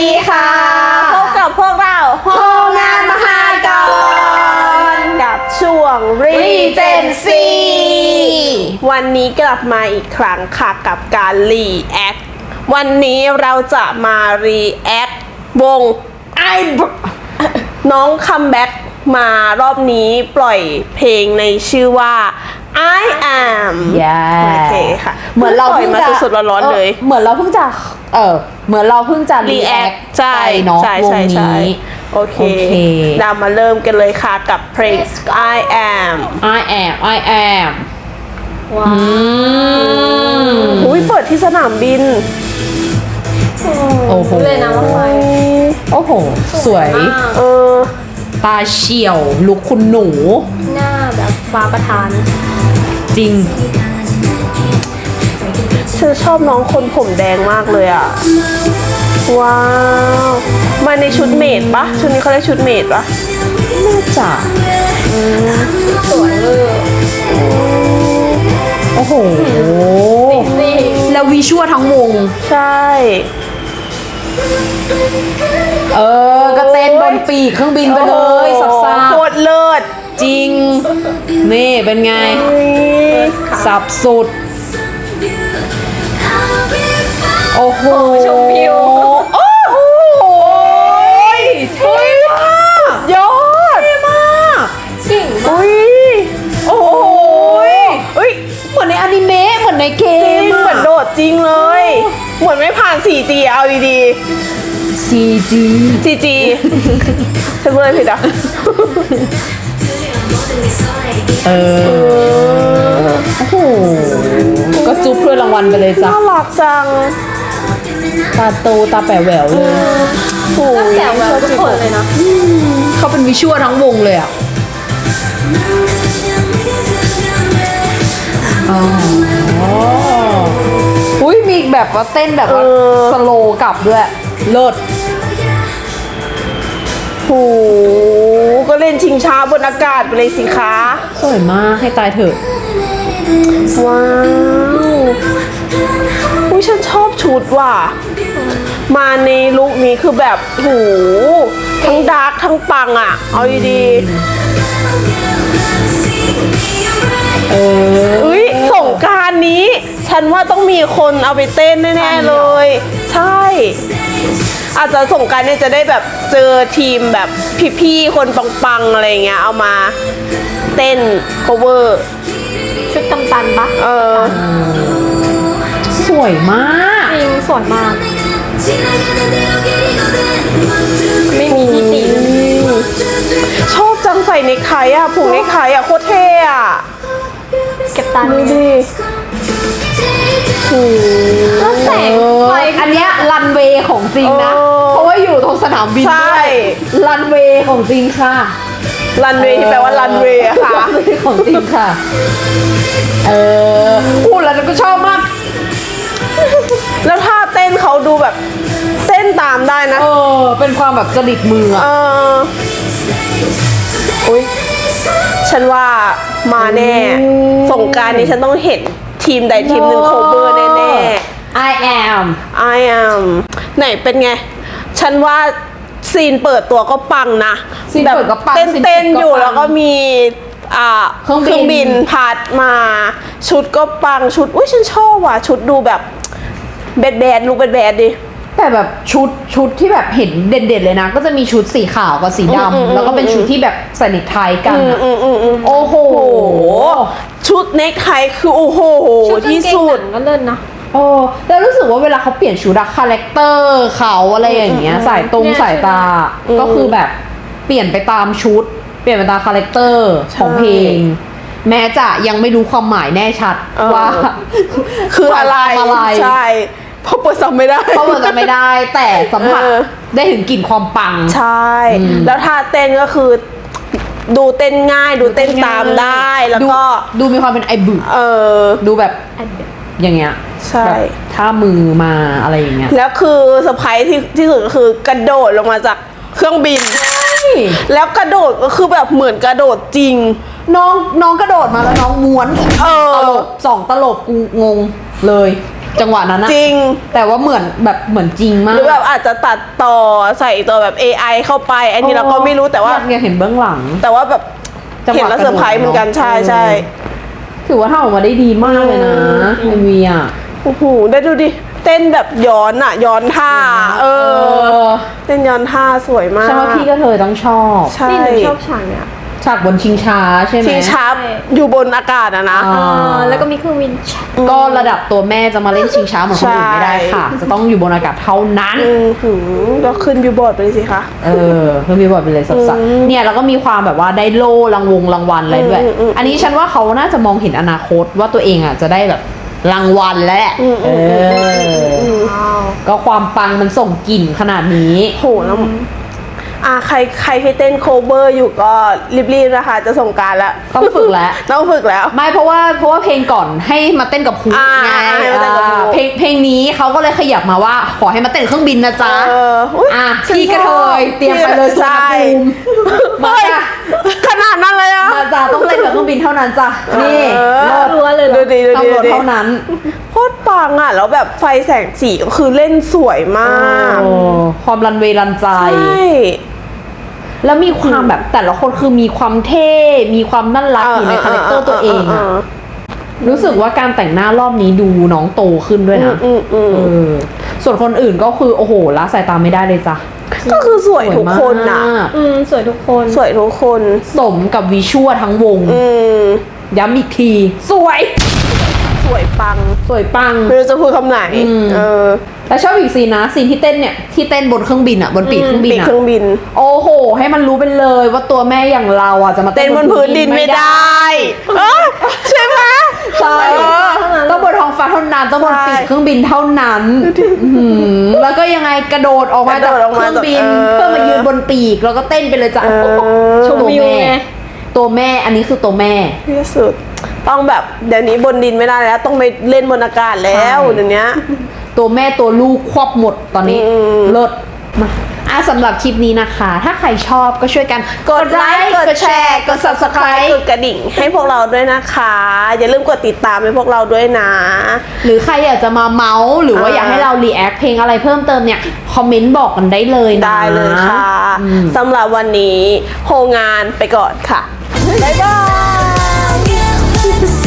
ดีค่ะพบกับพวกเราโฮมงานมหากรกับช่วง Regency วันนี้กลับมาอีกครั้งค่ะกับการ React วันนี้เราจะมา React วงน้องคัมแบ็กมารอบนี้ปล่อยเพลงในชื่อว่า I am โอเคค่ะเหมือนเราปล่อยมาสดๆร้อนๆเลยเหมือนเราเพิ่งจะreact ใช่เนาะวงใช่นี้โอเคเรามาเริ่มกันเลยค่ะกับเพลง I am ว้าวอุ้ยเปิดที่สนามบินโอ้โหเลยนะว่าไฟโอ้โหสวยตาเฉียวลุคคุณหนูหน้าแบบฟ้าประทานจริงฉันชอบน้องคนผมแดงมากเลยอ่ะว้าวมาในชุดเมดปะชุดนี้เขาเรียกชุดเมดปะน่าจะสวยเลยโอ้โหแล้ววิชวลทั้งวงใช่ก็เต้นบนปีกเครื่องบินไปเลยสับโคตรเลิศจริงนี่เป็นไงสับสุดโอ้โหชมวิวโอ้โหเท่มากยอดเท่มากจริงอุ้ยโอ้โหอุ้ยเหมือนในอนิเมะเหมือนในเกมเหมือนโดดจริงเลยเหมือนไม่ผ่าน 4G เอาดีๆ CG ฉันพูดอะไรผิดอ่ะโอ้โหก็จุ๊บเพื่อรางวัลไปเลยจ้ะน่ารักจังตาโตตาแป๋วแหววเลยโอ้ยแต่ว่าทุกคนเลยนะเขาเป็นวิชวลทั้งวงเลยอ่ะอุ้ยมีแบบว่าเต้นแบบว่าสโลว์กลับด้วยเลิศโหก็เล่นชิงช้าบนอากาศไปเลยสิคะสวยมากให้ตายเถอะว้าวอุ้ยฉันชอบชุดว่ะมาในลุคนี้คือแบบโหทั้งดาร์กทั้งปังอ่ะเอาดีอุ้ยสงกรานต์นี้ฉันว่าต้องมีคนเอาไปเต้นแน่ๆเลยใช่อาจจะสงกรานต์เนี่ยจะได้แบบเจอทีมแบบพี่ๆคนปังๆอะไรเงี้ยเอามาเต้น cover ชุดกำตันปะสวยมากจริงสวยมากไม่มีที่ติชอบจังใส่เนคไทอ่ะผูกเนคไทอ่ะโคตรเท่อ่ะเก็บตาดูดิแล้วแสงไฟอันเนี้ยรันเวย์ของจริงนะเพราะว่าอยู่ตรงสนามบินด้วยรันเวย์ของจริงค่ะรันเวย์ที่แปลว่ารันเวย์ค่ะรันเวย์ของจริงค่ะพูดแล้วก็ชอบมากแล้วท่าเต้นเขาดูแบบเต้นตามได้นะเป็นความแบบจริตมืออุ้ยฉันว่ามาแน่สงกรานต์นี้ฉันต้องเห็นทีมใดทีมหนึ่งโคเวอร์แน่ๆ I am ไหนเป็นไงฉันว่าซีนเปิดตัวก็ปังนะแบบเต้นอยู่แล้วก็มีเครื่องบินพัดมาชุดก็ปังชุดอุ้ยฉันชอบว่ะชุดดูแบบแบดลุคแบดดิแต่แบบชุดที่แบบเห็นเด่นๆเลยนะก็จะมีชุดสีขาวกับสีดำแล้วก็เป็นชุดที่แบบใส่เนคไทกันโอ้โหชุดเนคไทคือโอ้โหที่สุดก็เลิศนะแล้วรู้สึกว่าเวลาเขาเปลี่ยนชุดอะคาแรคเตอร์เขาอะไรอย่างเงี้ยสายตาก็คือแบบเปลี่ยนไปตามชุดเปลี่ยนไปตามคาแรคเตอร์ของเพลงแม้จะยังไม่รู้ความหมายแน่ชัดว่าคืออะไรใช่เพราะเปิดจำไม่ได้แต่สัมผัสได้ถึงกลิ่นความปังใช่แล้วท่าเต้นก็คือดูเต้นง่ายดูเต้นตามได้แล้วก็ดูมีความเป็นไอบึดูแบบอย่างเงี้ยใช่ท่ามือมาอะไรอย่างเงี้ยแล้วคือเซอร์ไพรส์ที่สุดก็คือกระโดดลงมาจากเครื่องบินแล้วกระโดดก็คือแบบเหมือนกระโดดจริงน้องกระโดดมาแล้วน้องม้วนตลบ2 ตลบกูงงเลยจังหวะนั้นนะจริงแต่ว่าเหมือนจริงมาหกรือแบบอาจจะตัดต่อใส่ตัวแบบ AI เข้าไป อันนี้เราก็ไม่รู้แต่ว่าอยากเห็นเบื้องหลังแต่ว่าแบบจังหวะเห็นแล้วเซอร์ไพรส์เหมือนกันกระโดดใช่ใช่ถือว่าทำออกมาได้ดีมากเลยนะเอ็มวีอ่ะโอ้โหได้ดูดิ เต้นแบบย้อนอะย้อนท่า เออ เต้นย้อนท่าสวยมากใช่ว่าพี่ก็เธอต้องชอบใช่นี่หนูชอบฉากเนี่ยฉากบนชิงช้าใช่ไหมชิงช้าอยู่บนอากาศอะนะอ่าแล้วก็มีเครื่องบินก็ระดับตัวแม่จะมาเล่นชิงช้าเหมือนคนอื่นไม่ได้ค่ะ จะต้องอยู่บนอากาศเท่านั้นหือก็ขึ้นบิลบอร์ดไปเลยสิคะเพิ่มมีบอร์ดไปเลยสัสๆเนี่ยแล้วก็มีความแบบว่าได้โล่รางวัลอะไรด้วย อันนี้ฉันว่าเขาน่าจะมองเห็นอนาคตว่าตัวเองอ่ะจะได้แบบรางวัลแล้วแหละก็ความปังมันส่งกลิ่นขนาดนี้โหแล้วใครที่เต้นโคเวอร์อยู่ก็รีบๆนะคะจะส่งกรารแล้วต้องฝึกแล้วต้องฝึกแล้วไม่เพราะว่าเพลงก่อนให้มาเต้นกับครู ไงให้มาเต้นกับครูเพลงนี้เขาก็เลยขยับมาว่าขอให้มาเต้นเครื่องบินนะจ๊ะอุ๊ยพี่กระเทยเตรียมไปเลยสุวรรณใช่ภูมิมาเฮ้ยจ้ะขนาดนั้นเลยอะมาจ้ะต้องเล่นกับเครื่องบินเท่านั้นจ้ะนี่รัวเลยเหรอดูดิดูตำดิรวจดูดิเท่านั้นโคตรปังอะแล้วแบบไฟแสงสีก็คือเล่นสวยมากโอ้ความรันเวย์รันใจใช่แล้วมีความแบบแต่ละคนคือมีความเท่ มีความน่ารักอยู่ในคาแรคเตอร์ตัวเองอะรู้สึกว่าการแต่งหน้ารอบนี้ดูน้องโตขึ้นด้วยนะส่วนคนอื่นก็คือโอ้โหละสายตาไม่ได้เลยจ้ะก็คือสวยทุกคนนะสวยมากสวยทุกคนสวยทุกคนสมกับวิชวลทั้งวง ย้ำอีกที สวยสวยปังสวยปังไม่รู้จะพูดคำไหนแล้วชอบอีกซีนนะซีนที่เต้นเนี่ยที่เต้นบนเครื่องบินอ่ะบนปีกเครื่องบินปีกอ่ะเครื่องบินโอ้โห ให้มันรู้ไปเลยว่าตัวแม่อย่างเราอ่ะจะมาเต้นบนพื้นดินไม่ได้ใช่ไหมใช่ต้องบนท้องฟ้าเท่านั้นต้องบนปีกเครื่องบินเท่านั้นแล้วก็ยังไงกระโดดออกมาจากเครื่องบินเพื่อมายืนบนปีกแล้วก็เต้นไปเลยจ้ะชมตัวแม่ตัวแม่อันนี้คือตัวแม่ที่สุดต้องแบบเดี๋ยวนี้บนดินไม่ได้แล้ว ต้องไปเล่นบนอากาศแล้วเดี๋ยวนี้ตัวแม่ตัวลูกควบหมดตอนนี้เลิศมาสำหรับคลิปนี้นะคะ ถ้าใครชอบก็ช่วยกันกดไลค์กดแชร์กด subscribe กดกระดิ่งให้พวกเราด้วยนะคะ อย่าลืมกดติดตามให้พวกเราด้วยนะหรือใครอยากจะมาเมาส์หรือว่าอยากให้เรารีแอคเพลงอะไรเพิ่มเติมเนี่ยคอมเมนต์บอกกันได้เลยนะได้เลยค่ะสำหรับวันนี้โฮงานไปก่อนค่ะ บ๊ายบาย